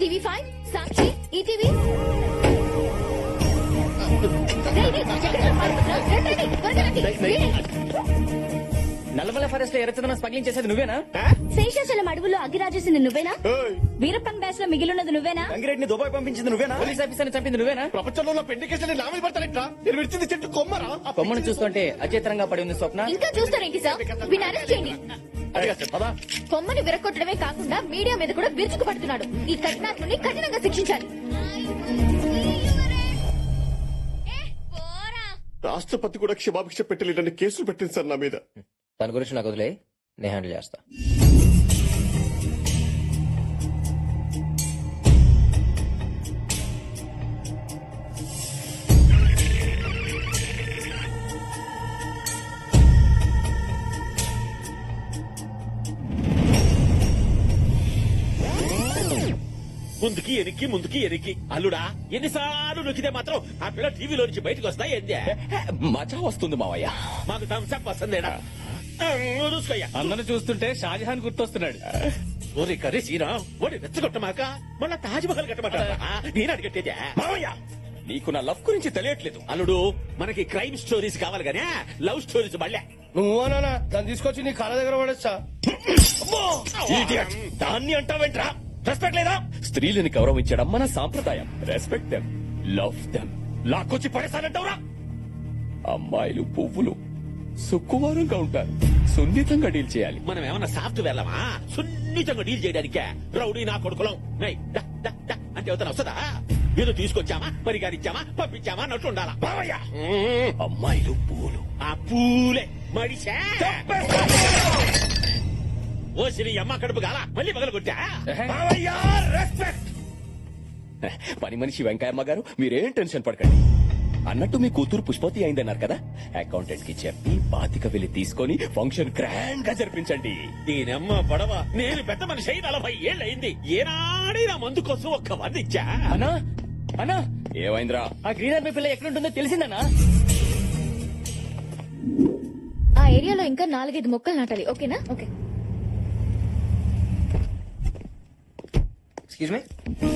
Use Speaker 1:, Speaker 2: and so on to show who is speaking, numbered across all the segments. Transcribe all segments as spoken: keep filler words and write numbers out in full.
Speaker 1: TV five, Sakshi, ETV.
Speaker 2: Nallamala forest లో ఎర్రచందనం smuggling చేసేది నువ్వేనా?
Speaker 1: శేషాచలం అడవుల్లో అగ్గిరాజేసింది నువ్వేనా? వీరప్పన్ బ్యాచ్ లో మిగిలిన్నది నువ్వేనా?
Speaker 2: గంగిరెడ్డిని దుబాయ్ పంపించింది నువ్వేనా? పోలీస్ ఆఫీసర్ చంపింది నువ్వేనా?
Speaker 3: ప్రపంచంలో పెండి కేసులు నా మీద పడతానట్రా? నేను విడిచింది చెట్టు కొమ్మరా?
Speaker 2: ఆ కొమ్మను చూస్తుంటే అచేతనంగా పడి ఉంది స్వప్న.
Speaker 1: ఇంకా చూస్తారేంటి సార్? వీని అరెస్ట్ చేయండి. కొమ్మని విరగొట్టడమే కాకుండా మీడియా మీద కూడా విరుచుకు పడుతున్నాడు. ఈ కఠినాత్ముని కఠినంగా శిక్షించాలి.
Speaker 3: రాష్ట్రపతి కూడా క్షమాభిక్ష పెట్టలేదని కేసులు పెట్టింది సార్ నా మీద.
Speaker 2: దాని గురించి నాకు వదిలే, నేను హ్యాండిల్ చేస్తా.
Speaker 4: ముందుకి ఎనికి ముందుకి ఎనికి అల్లుడా ఎన్నిసార్లు నొక్కితే మాత్రం ఆ పిల్ల టీవీలో నుంచి బయటకు వస్తాయి ఏందే
Speaker 2: మజా వస్తుంది మావయ్య.
Speaker 4: మాకు థమ్స్అప్ వస్తుందేనా చూసుకోయ్యా.
Speaker 5: అందరూ చూస్తుంటే షాజహాన్ గుర్తొస్తున్నాడు.
Speaker 4: ఓరి కర్రీ శ్రీరామ్ ఓడి రెచ్చగొట్టమాక మళ్ళా తాజ్ మహల్ కట్టమాట నేను అడిగట్టేదే
Speaker 2: మావయ్య నీకు నా లవ్ గురించి తెలియట్లేదు.
Speaker 4: అల్లుడు మనకి క్రైమ్ స్టోరీస్ కావాలి గానే లవ్ స్టోరీస్ మళ్ళా
Speaker 3: నువ్వునా దాన్ని తీసుకొచ్చి నీ కాళ్ళ దగ్గర పడచ్చా?
Speaker 2: దాన్ని అంటావేంట్రా? రెస్పెక్ట్ లేదా? స్త్రీలని గౌరవించడం మన సాంప్రదాయం. Respect them, love them. లాక్కొచ్చి పడేసానంటావురా? అమ్మాయిలు పువ్వులు సుక్కువారంగా ఉంటారు, సున్నితంగా డీల్ చేయాలి.
Speaker 4: మనం ఏమన్నా సాఫ్ట్ వెళ్ళమా సున్నితంగా డీల్ చేయడానికే? రౌడీ నా కొడుకులం నై, డా, డా, డా అంటే అవుతాను వస్తుందా? ఏదో తీసుకొచ్చామా పరిగారిచ్చామా పంపించామా అన్నట్టు ఉండాలా.
Speaker 2: అమ్మాయిలు పూలు,
Speaker 4: ఆ పూలే మడిసా ఓ శ్రీ అమ్మ కడుపు గాల మళ్ళీ పగల కొట్టా.
Speaker 2: పని మనిషి వెంకయ్యమ్మ గారు మీరేం టెన్షన్ పడకండి. అన్నట్టు మీ కూతురు పుష్పతి అయిందన్నారు కదా, అకౌంటెంట్ కి చెప్పి బాతిక వెళ్లి తీసుకొని ఫంక్షన్ గ్రాండ్ గా జరిపించండి.
Speaker 4: దీనమ్మ పడవ నేను పెద్ద మనిషి అయి నలభై ఏళ్ళయింది. ఏనాడే నా మందు కోసం ఒక్క వంద ఇచ్చా.
Speaker 2: అన్నా అన్నా ఏమైందిరా? ఆ గ్రీన్ ఆర్మీ పిల్ల ఎక్కడుంటుందో తెలిసిందన్నా?
Speaker 1: ఆ ఏరియాలో ఇంకా నాలుగైదు మొక్కలు నాటాలి. ఓకేనా? Okay.
Speaker 2: Excuse me.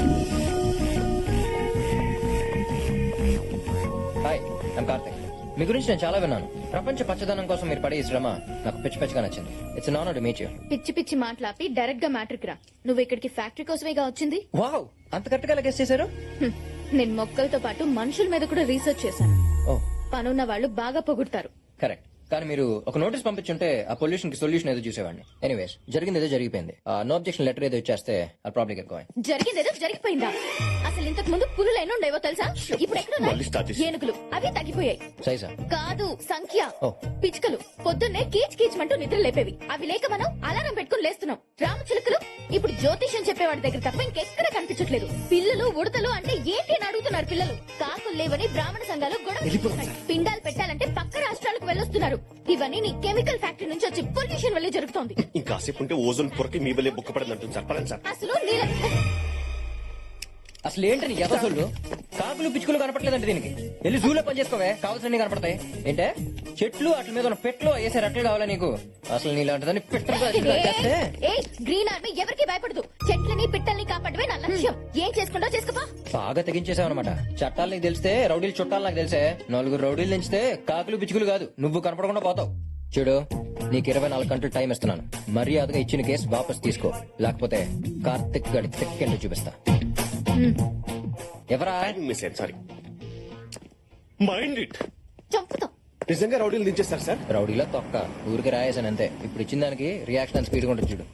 Speaker 2: Hi, I'm Karthik. మీ గురించి నేను చాలా విన్నాను. ప్రపంచ పచ్చదనం కోసం మీరు పడే ఈ శ్రమ నాకు పిచ్చి పిచ్చిగా నచ్చింది. It's an honour to meet you.
Speaker 1: పిచ్చి పిచ్చి మాట్లాపి డైరెక్ట్ గా మ్యాట్రిక్ రా. నువ్వు ఇక్కడికి ఫ్యాక్టరీ కోసమేగా వచ్చింది?
Speaker 2: వావ్, అంత కరెక్ట్ గా గెస్ చేశారు.
Speaker 1: హ్మ్. నేను మొక్కలతో పాటు మనుషుల మీద కూడా రీసెర్చ్ చేశాను.
Speaker 2: ఓ,
Speaker 1: పనున్న వాళ్ళు బాగా పొగుడతారు.
Speaker 2: కరెక్ట్. కానీ మీరు ఒక నోటీస్ పంపించుంటే ఆ పొల్యూషన్ కి సొల్యూషన్ ఏదో చూసేవాడిని. ఎనీవేస్, జరిగింది ఏదో జరిగిపోయింది. నో అబ్జెక్షన్ లెటర్ ఏదో ఇచ్చేస్తే ఆ ప్రాబ్లం ఎక్కువ.
Speaker 1: జరిగిందేదో జరిగిపోయిందా? అసలు ఇంతకు ముందు పులులు ఎన్ని ఉండేవో తెలుసా? ఇప్పుడు ఎక్కడ ఏనుగులు అవి తగ్గిపోయాయి.
Speaker 2: సైజా
Speaker 1: కాదు, సంఖ్య.
Speaker 2: ఓ.
Speaker 1: పిచ్చుకలు పొద్దున్నే కీచ్ కీచ్మంటూ నిద్ర లేపేవి. అవి లేక మనం అలారం పెట్టుకుని లేస్తున్నాం. రామచిలుకలు ఇప్పుడు జ్యోతిష్యం చెప్పేవాడి దగ్గర తప్ప ఇంకెక్కడ కనిపించట్లేదు. పిల్లలు ఉడతలు అంటే ఏంటి అని అడుగుతున్నారు పిల్లలు. కాకులు లేవని బ్రాహ్మణ సంఘాలు గొడవ. పిండాలు పెట్టాలంటే పక్క రాష్ట్రాలకు వెళ్ళొస్తున్నారు. ఇవన్నీ నీ కెమికల్ ఫ్యాక్టరీ నుంచి వచ్చి పొల్యూషన్ వల్లే జరుగుతోంది.
Speaker 3: ఇంకాసేపు ఉంటే ఓజోన్ పొరకి మీ వల్లే బుక్క పడదంటుంది సార్. పడండి సార్.
Speaker 1: అసలు నీళ్ళ
Speaker 2: అసలు ఏంటని ఎదసోళ్ళు కాకులు పిచ్చుకలు కనపట్లేదంటే దీనికి వెళ్ళి జూలో పని చేసుకోవే, కావాల్సిన కనపడతాయి. ఏంటే చెట్లు అట్ల మీద ఉన్న పెట్లు వేసే రెట్లు కావాలా నీకు? అసలు నీలాంటిదని పెట్టలు చేస్తే
Speaker 1: గ్రీన్ ఆర్మీ ఎవరికి భయపడదు. చెట్లని పిట్టల్ని కాపాడమే నా లక్ష్యం. ఏం చేసుకుంటో చేసుకోపా.
Speaker 2: బాగా తెగించేసావన్నమాట. చట్టాలు నీకు తెలిస్తే రౌడీలు చుట్టాలు నాకు తెలిసే. నలుగురు రౌడీలు తెంచితే కాకులు పిచ్చుకలు కాదు నువ్వు కనపడకుండా పోతావు. చూడు, నీకు ఇరవై నాలుగు గంటలు టైం ఇస్తున్నాను. మర్యాదగా ఇచ్చిన కేసు వాపస్ తీసుకో, లేకపోతే కార్తిక్ గడి తెక్కెండు చూపిస్తా. ఎవరా?
Speaker 3: Sorry, mind it.
Speaker 1: చంపుతాం.
Speaker 3: నిజంగా రౌడీలు దించేస్తారు సార్?
Speaker 2: రౌడీలో తొక్క ఊరికి రాయేసాను అంతే. ఇప్పుడు ఇచ్చిన దానికి రియాక్షన్ స్పీడ్ ఉంటుంది చూడు.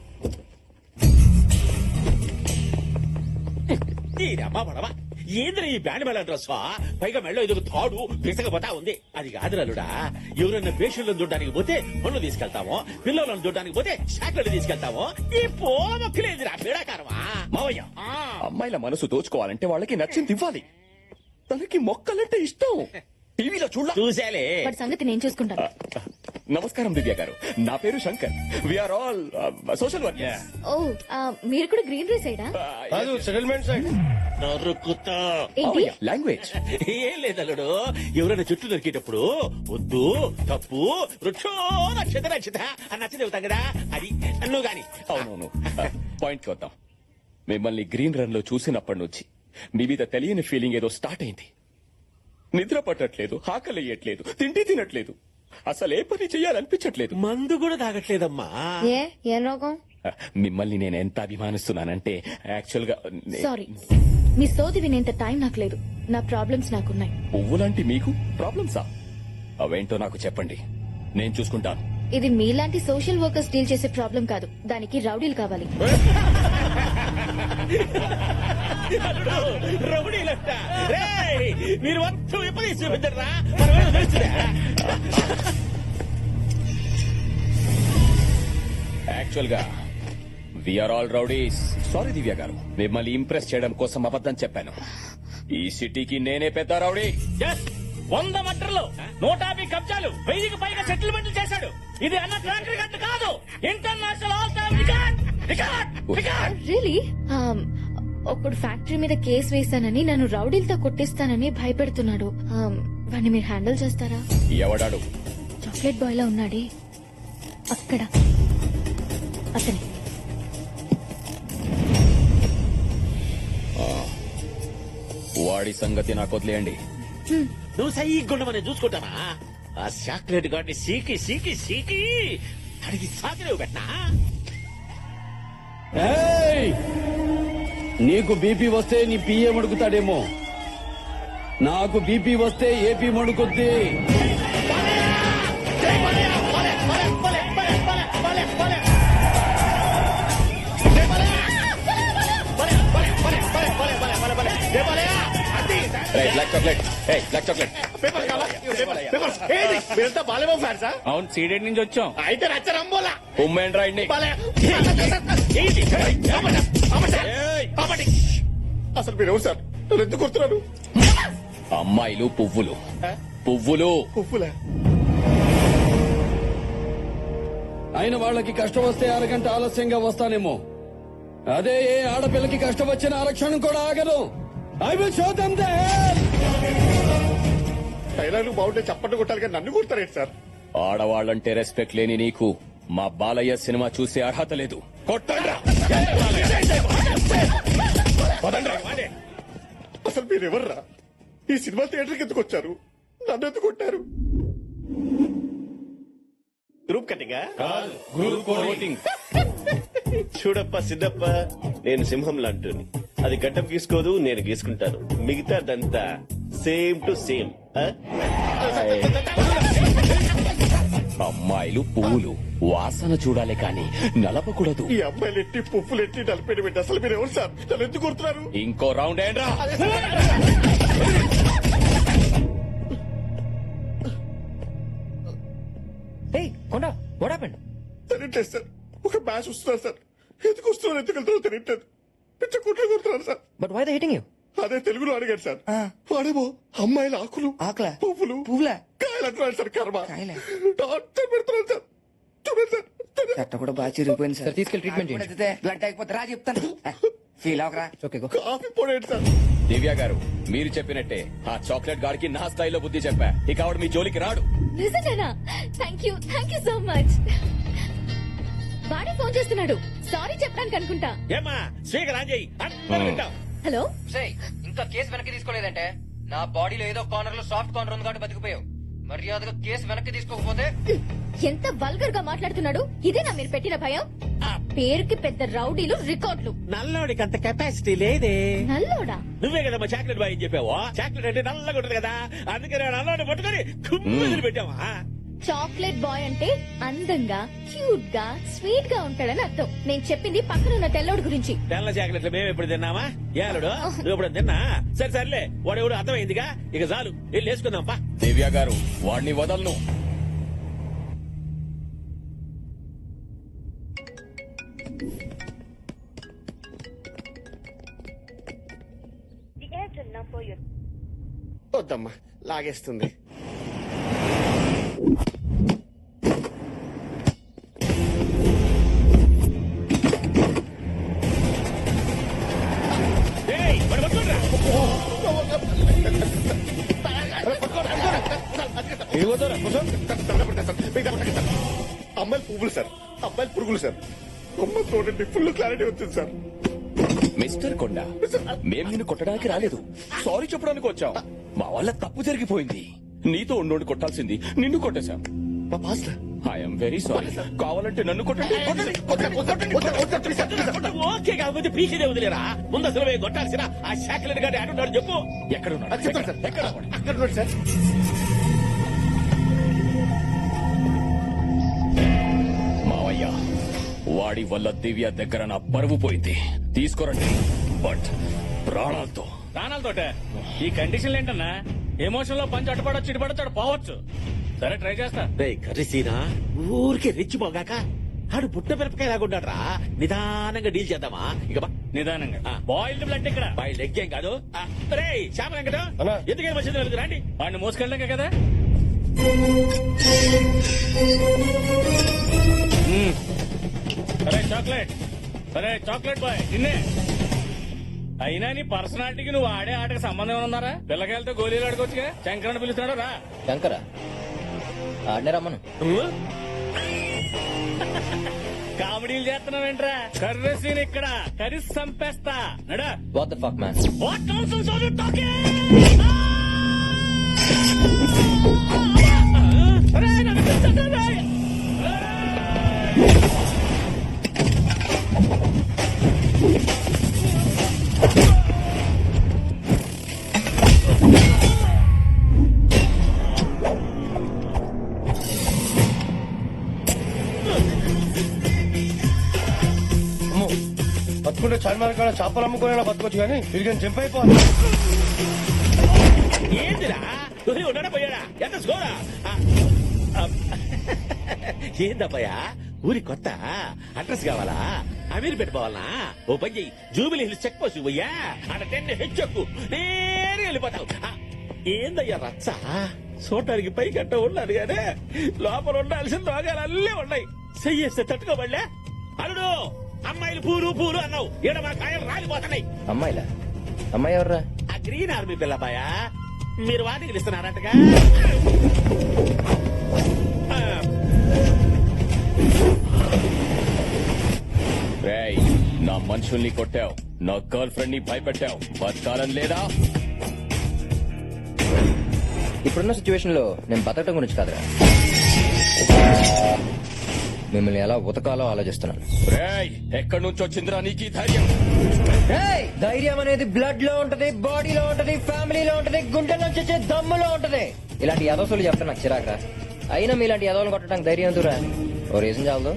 Speaker 4: అమ్మా పడవా ఏంద్రా ఈ బ్యాండ్ మేళ డ్రెస్ పైగా మెళ్ళో ఇది తాడు పిసకపోతా ఉంది. అది కాదురాలుడా, ఎవరైనా పేషెంట్లను చూడడానికి పోతే పళ్ళు తీసుకెళ్తామో, పిల్లలను చూడడానికి పోతే షాట్లను తీసుకెళ్తామో. ఈ పోమొక్కలేదురా పీడాకారమా
Speaker 2: మావయ్య. అమ్మాయిల మనసు దోచుకోవాలంటే వాళ్ళకి నచ్చింది ఇవ్వాలి. తనకి మొక్కలంటే ఇష్టం. టీవీలో చూడ
Speaker 4: చూసేలే.
Speaker 1: వాడి సంగతి నేను చూసుకుంటాను.
Speaker 2: నమస్కారం దివ్య గారు, నా పేరు Shankar. We're all social workers.
Speaker 1: ఓ, ఆ, మీరు కూడా గ్రీన్ రీ సైడా?
Speaker 3: Settlement side.
Speaker 4: నరుకుతా
Speaker 1: ఏంటి?
Speaker 2: లాంగ్వేజ్
Speaker 4: ఏం లేదల్లుడు, ఎవరైనా చెట్టు నరికేటప్పుడు వద్దు తప్పు వృక్షో నక్షత నక్షత అని నచ్చ చెబుతాం కదా, అది నువ్వు గాని.
Speaker 2: అవునవును, పాయింట్ కి వద్దాం.
Speaker 6: మిమ్మల్ని గ్రీన్ రన్ లో చూసినప్పటి నుంచి మీ మీద తెలియని ఫీలింగ్ ఏదో స్టార్ట్ అయింది. నిద్ర పట్టట్లేదు, ఆకలియట్లేదు, తిండి తినట్లేదు, అసలు ఏ పని చెయ్యాలనిపించట్లేదు.
Speaker 4: మందు కూడా తాగట్లేదమ్మా.
Speaker 1: ఏ ఏం రోగం?
Speaker 6: మిమ్మల్ని నేను ఎంత అభిమానిస్తున్నానంటే యాక్చువల్ గా నే-
Speaker 1: సారీ, మీ సోది వినేంత టైం నాకు లేదు. నా ప్రాబ్లమ్స్ నాకున్నాయి.
Speaker 6: పువ్వులాంటి మీకు ప్రాబ్లమ్సా? అవేంటో నాకు చెప్పండి, నేను చూసుకుంటాను.
Speaker 1: ఇది మీలాంటి సోషల్ వర్కర్స్ డీల్ చేసే ప్రాబ్లం కాదు. దానికి రౌడీలు కావాలి.
Speaker 4: రౌడీలంట. రేయ్, మీరు మొత్తం విపరీత చూపించరా, మనమేదో తెలుసురా.
Speaker 6: యాక్చువల్ గా we're all rowdies. Sorry Divya garu, మిమ్మల్ని ఇంప్రెస్ చేయడం కోసం అబద్ధం చెప్పాను. ఈ సిటీకి నేనే పెద్ద రౌడీ.
Speaker 5: Yes, వంద మటర్లు, నూట యాభై కబ్జాలు, వెయ్యికి పైగా సెటిల్మెంట్లు చేశాడు. ఇది అన్న ట్రాక్ రికార్డ్ కాదు, international all time record. Record record
Speaker 1: really? ఒకడు ఫ్యాక్టరీ మీద కేసు వేశానని నన్ను రౌడీలతో కొట్టిస్తానని భయపెడుతున్నాడు. Um, వాడిని మీరు హ్యాండిల్ చేస్తారా?
Speaker 6: ఎవడాడు?
Speaker 1: చాక్లెట్ బాయ్ లా ఉన్నాడే అక్కడ, అతని.
Speaker 6: వాడి సంగతి నాకు వదిలేయండి.
Speaker 4: నువ్వు సైగుండ మనం చూసుకుంటామా? ఆ చాక్లెట్ గాడిని సీకి సీకి సీకి అడిగి సాకిలేవు పెట్టనా?
Speaker 7: ఏయ్! నీకు బీపీ వస్తే నీ పిఏ మడుకుతాడేమో, నాకు బీపీ వస్తే ఏపీ మడుకుద్ది.
Speaker 6: రేయ్, బ్లాక్ చాక్లెట్. ఏయ్, బ్లాక్ చాక్లెట్.
Speaker 3: మీరంతా బాలేమో ఫ్యాన్సా?
Speaker 5: అవును, సీడెడ్ నుంచి వచ్చాం.
Speaker 3: అయితే రచ్చరంబోలా
Speaker 6: ఉమ్మేండి రాయండి.
Speaker 3: అసలు మీరు ఎవరు సార్? నన్ను ఎందుకు కొడుతున్నారు?
Speaker 6: అమ్మాయిలు పువ్వులు, పువ్వులు.
Speaker 3: ఉప్పులే
Speaker 7: అయిన వాళ్ళకి కష్టం వస్తే అరగంట ఆలస్యంగా వస్తానేమో, అదే ఏ ఆడపిల్లకి కష్టం వచ్చిన ఆరక్షణం కూడా ఆగదు. I will show them the hell.
Speaker 3: డైలాగులు బాగుంటే చప్పట్లు కొట్టాలి కానీ నన్ను కొడతారేంటి సార్?
Speaker 6: ఆడవాళ్ళంటే రెస్పెక్ట్ లేని నీకు మా బాలయ్య సినిమా చూసే అర్హత లేదు. కొట్టండ్రా.
Speaker 3: అసలు మీరు ఎవర్రా? ఈ సినిమా థియేటర్కి ఎందుకు వచ్చారు? నన్ను ఎందుకు కొట్టారు? గ్రూప్ కటింగా?
Speaker 8: చూడప్ప సిద్ధప్ప, నేను సింహం లాంటిని. అది గడ్డం గీసుకోదు, నేను గీసుకుంటాను. మిగతాదంతా సేమ్ టు సేమ్.
Speaker 6: అమ్మాయిలు పువ్వులు వాసన చూడాలి కానీ నలపకూడదు.
Speaker 3: ఈ అమ్మాయిలు ఎట్టి పువ్వులు ఎట్టి నలిపేయడం పెట్టి అసలు మీరు ఎవరు సార్? నన్ను ఎందుకు కొడుతున్నారు?
Speaker 6: ఇంకో రౌండ్ ఏంట్రా?
Speaker 2: ఏయ్ కొండ, వాట్ హ్యాపెండ్?
Speaker 3: తెలియట్లేదు సార్. ఒక మ్యాచ్ వస్తున్నారు సార్. ఎందుకు వస్తున్నారు, ఎందుకు వెళ్తారో తెలియట్లేదు. పిచ్చ కుట్లు కొడుతున్నారు sir.
Speaker 2: But why the hitting you?
Speaker 3: అదే తెలుగులో అడిగాడు సార్. వాడేమో అమ్మాయిల ఆకులు,
Speaker 2: ఆకులా?
Speaker 3: పువ్వులు,
Speaker 2: పువ్వులా?
Speaker 3: కాయలు అంటున్నాడు సార్. కర్మ
Speaker 2: కాయలా?
Speaker 3: టార్చర్ పెడుతున్నాడు సార్. చూడండి సార్.
Speaker 9: చట్ట కూడా బాగా చిరిగిపోయింది
Speaker 2: సార్ తీసుకెళ్ళి ట్రీట్మెంట్ చేయండి.
Speaker 9: బ్లడ్ అయిపోతే రా చెప్తాను. ఫీల్ అవకరా.
Speaker 2: Okay go.
Speaker 3: కాఫీ పొడేంటి సార్?
Speaker 6: దివ్య గారు, మీరు చెప్పినట్టే ఆ చాక్లెట్ గాడికి నా స్థాయిలో బుద్ధి చెప్పా. ఇక ఆవిడ మీ జోలికి రాడు.
Speaker 1: నిజంగానా? Thank you, thank you so much. వాడే ఫోన్ చేస్తున్నాడు. సారీ చెప్పడానికి అనుకుంటా.
Speaker 4: ఏమా స్పీకర్ ఆన్ చేయి, అందరూ వింటాం.
Speaker 1: హలో,
Speaker 2: ఇంకా కేసు వెనక్కి తీసుకోలేదంటే నా బాడీలో ఏదో కార్నర్ లో సాఫ్ట్ కార్నర్ ఉంది కాబట్టి బతికిపోయావు. మర్యాదగా కేసు వెనక్కి తీసుకోకపోతే.
Speaker 1: ఎంత వల్గర్ గా మాట్లాడుతున్నాడు. ఇదేనా మీరు పెట్టిన భయం? ఆ పేరుకి పెద్ద రౌడీలు, రికార్డులు.
Speaker 4: నల్లోడికి అంత కెపాసిటీ లేదే.
Speaker 1: నల్లోడా?
Speaker 4: నువ్వే కదమ్మా చాక్లెట్ బాయ్ అని చెప్పావు. చాక్లెట్ అంటే నల్లగా ఉంటుంది కదా, అందుకే నేను నల్లోడి పట్టుకొని కుమ్మిదిలు పెట్టావా?
Speaker 1: చాక్లెట్ బాయ్ అంటే అందంగా, క్యూట్ గా, స్వీట్ గా ఉంటాడని అర్థం. నేను చెప్పింది పక్కన ఉన్న తెల్లోడు గురించి.
Speaker 4: తెల్ల చాక్లెట్లు మేము ఎప్పుడు తిన్నామా? ఏలుడు నువ్వు ఎప్పుడు తిన్నా? సరే సర్లే, వాడు ఎవడు అర్థమైందిగా, ఇక చాలు వెళ్ళి వేసుకుందాం పా.
Speaker 6: దివ్య గారు, వాడిని వదలను.
Speaker 3: వద్దమ్మా, లాగేస్తుంది.
Speaker 4: ఏయ్, వాడు పట్టుకోండిరా.
Speaker 3: అమ్మాయిలు పువ్వులు సార్, అమ్మాయిలు పురుగులు సార్. అమ్మ చూడండి, ఫుల్ క్లారిటీ వచ్చింది సార్.
Speaker 6: మిస్టర్ కొండ మేం నిన్ను కొట్టడానికి రాలేదు సారీ చెప్పడానికి వచ్చాం మా వల్ల తప్పు జరిగిపోయింది నీతో ఉండి కొట్టాల్సింది నిన్ను కొట్టేశాం
Speaker 3: మా బాస్
Speaker 6: ఐఎమ్ వెరీ సారీ కావాలంటే నన్ను కొట్టండి
Speaker 4: ఓకే కాకపోతే పీకేదే వదిలేరా ముందు అసలు పోయి కొట్టాల్సిన ఆ శాఖలని గారి ఆడున్నాడు చెప్పు
Speaker 6: ఎక్కడ ఉన్నాడు?
Speaker 3: చెప్తాను సార్
Speaker 6: ఎక్కడ ఉన్నాడు?
Speaker 3: అక్కడ ఉన్నాడు సార్.
Speaker 6: మావయ్య వాడి వల్ల దివ్య దగ్గర నా పరువు పోయింది తీసుకోరండి బట్ ప్రాణాలతో
Speaker 5: ప్రాణాలతోటే ఈ కండిషన్లు ఏంటన్నా ఎమోషన్ లో పంచి అటుపడొచ్చు ఇటుపడొచ్చు పోవచ్చు సరే ట్రై చేస్తా
Speaker 4: రే కర్రీసీనా ఊరికే రెచ్చిపోగాక ఆడు పుట్ట మిరపకాయ లాగుంటాడు రా నిదానంగా డీల్ చేద్దామా ఇక బా
Speaker 5: నిదానంగా
Speaker 4: ఆ.
Speaker 5: బాయిల్డ్ బ్లడ్ ఇక్కడ
Speaker 4: బై లెగ్ ఏం కాదు ఆ, రే శ్యామ వెంకట
Speaker 3: అన్నా.
Speaker 4: ఎందుకే వచ్చింది వెళ్తు రండి
Speaker 5: వాడిని మోసుకెళ్ళాక కదా మ్మ్. సరే చాక్లెట్ సరే చాక్లెట్ బాయ్ నిన్నే అయినా నీ పర్సనాలిటీకి నువ్వు ఆడే ఆటకి సంబంధం ఏమైనా ఉందారా పిల్లకాయలతో గోళీలు ఆడుకోవచ్చుగా శంకరని పిలుస్తున్నాడు రా
Speaker 2: శంకరా ఆడనే రమ్మను
Speaker 5: కామెడీలు చేస్తున్నావేంట్రా కర్రీ సీన్ ఇక్కడ కర్రీ సంపేస్తా నడా
Speaker 2: what the fuck man
Speaker 5: what nonsense are you talking అరే నన్ను పిలుస్తున్నాడు
Speaker 3: బతుకుంటే చార్మార్ కాడ చేపలు అమ్ముకునే బతకొచ్చు కానీ తిరిగి జంప్ అయిపోవాలి.
Speaker 4: ఏందిరా తొలి ఉన్నాడా పోయాడా ఎంత స్కోరా ఏందబ్బయ్యా ఊరి కొత్త అడ్రస్ కావాలా అమీర్ పెట్టుకోవాలనా ఓ పని చెయ్యి జూబిలీ హిల్స్ చెక్ పోస్ట్ పోయ్యా అక్కడ టెన్ హెచ్చెక్కు నేరుగా వెళ్ళిపోతావు ఆ, ఏందయ్యా రచ్చ చూడటానికి పైకి అట్ట ఉన్నాడు కానీ లోపల ఉండాల్సిన రోగాలు అల్లే ఉన్నాయి చెయ్యేస్తే తట్టుకోబడలే అల్లుడు అమ్మాయిలు పూలు పూలు అన్నావు ఈడ మా కాయలు రాలిపోతున్నాయి
Speaker 2: అమ్మాయిలా అమ్మాయి ఎవర్రా
Speaker 4: ఆ గ్రీన్ ఆర్మీ పిల్లబాయా మీరు వాటికి ఇస్తున్నారంటగా ఆ,
Speaker 6: రేయ్ నా మనుషుల్ని కొట్టావు నా గర్ల్ ఫ్రెండ్ ని భయపెట్టావు బతకాలని లేదా
Speaker 2: ఇప్పుడున్న సిచ్యువేషన్ లో నేను బతకడం గురించి కాదురా మిమ్మల్ని ఎలా ఉతకాలో ఆలోచిస్తున్నాను.
Speaker 6: రేయ్ ఎక్కడి నుంచి వచ్చిందిరా నీకు ఈ ధైర్యం
Speaker 2: ఏయ్! ధైర్యం అనేది బ్లడ్ లో ఉంటది, బాడీలో ఉంటది, ఫ్యామిలీలో ఉంటది, గుండెల్లో వచ్చే దమ్ములో ఉంటది. ఇలాంటి యదోసులు చెప్తే నాకు చిరాకురా. అయినా మీలాంటి యదోలను కొట్టడానికి ధైర్యం ఎందుకురా? ఓ రీజన్ చాలదు.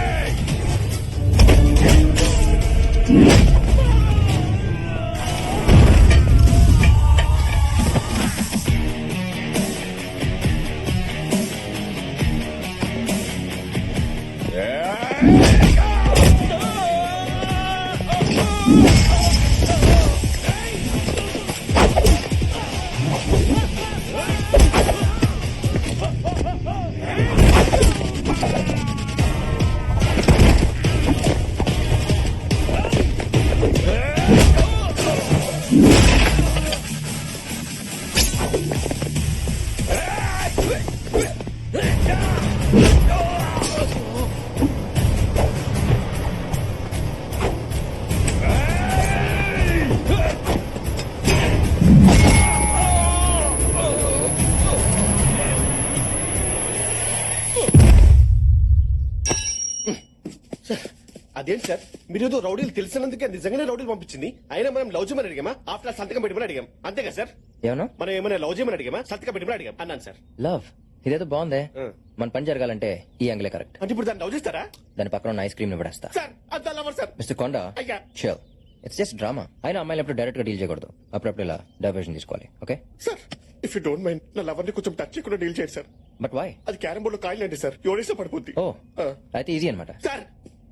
Speaker 3: అదేంటి సార్ మీరు ఏదో రౌడీలు తెలిసినందుకే నిజంగానే రౌడీలు పంపించింది. అయినా మనం లవ్ చేయమని అడిగామా ఆఫ్టర్ సంతకం పెట్టమని అడిగాం అంతేగా సార్?
Speaker 2: ఏమన్నా
Speaker 3: మనం ఏమైనా లవ్ చేయమని అడిగామా సంతకం పెట్టమని అడిగాం అన్నాను సార్.
Speaker 2: లవ్ ఇదేదో బాగుందే.
Speaker 3: ఆ.
Speaker 2: మన పని జరగాలంటే ఈ యాంగిలే కరెక్ట్.
Speaker 3: అంటే ఇప్పుడు దాన్ని లవ్ చేస్తారా
Speaker 2: దాని పక్కన ఉన్న ఐస్ క్రీమ్ ని పడేస్తా.
Speaker 3: సార్? అంత లవర్ సార్.
Speaker 2: మిస్టర్ కొండ
Speaker 3: అయ్యా.
Speaker 2: Sure it's just drama. అయినా అమ్మాయిలు ఎప్పుడు డైరెక్ట్ గా డీల్ చేయకూడదు. అప్పుడప్పుడు ఇలా డైవర్షన్ తీసుకోవాలి. Okay
Speaker 3: sir if you don't mind నా లవర్ ని కొంచెం టచ్ చేయకుండా డీల్ చేయండి సార్.
Speaker 2: But why?
Speaker 3: అది క్యారం బోర్డ్ లో కాయలు అండి సార్, ఎవరేసా పడిపోద్ది.
Speaker 2: ఓ
Speaker 3: ఆ.
Speaker 2: అయితే ఈజీ అనమాట.
Speaker 3: సార్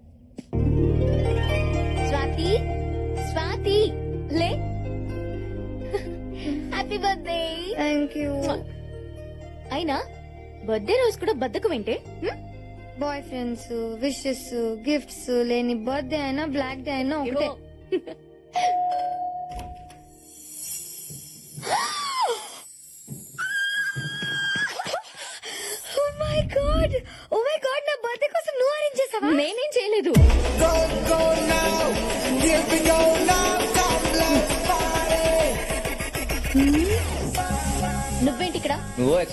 Speaker 1: స్వాతి స్వాతి లే హ్యాపీ బర్త్డే.
Speaker 10: Thank you.
Speaker 1: అయినా బర్త్డే రోజు కూడా బద్దకు వింటే
Speaker 10: బాయ్ ఫ్రెండ్స్, విషెస్, గిఫ్ట్స్ లేని బర్త్డే అయినా బ్లాక్ డే అయినా ఒకటే. Oh my god, oh my god, నా బర్త్డే కోసం నువ్వు అరేంజ్ చేసావా?
Speaker 1: నేనేం చేయలేదు.
Speaker 10: Go, go now.
Speaker 1: నువ్వేంటి ఇక్కడ?
Speaker 2: నువ్వు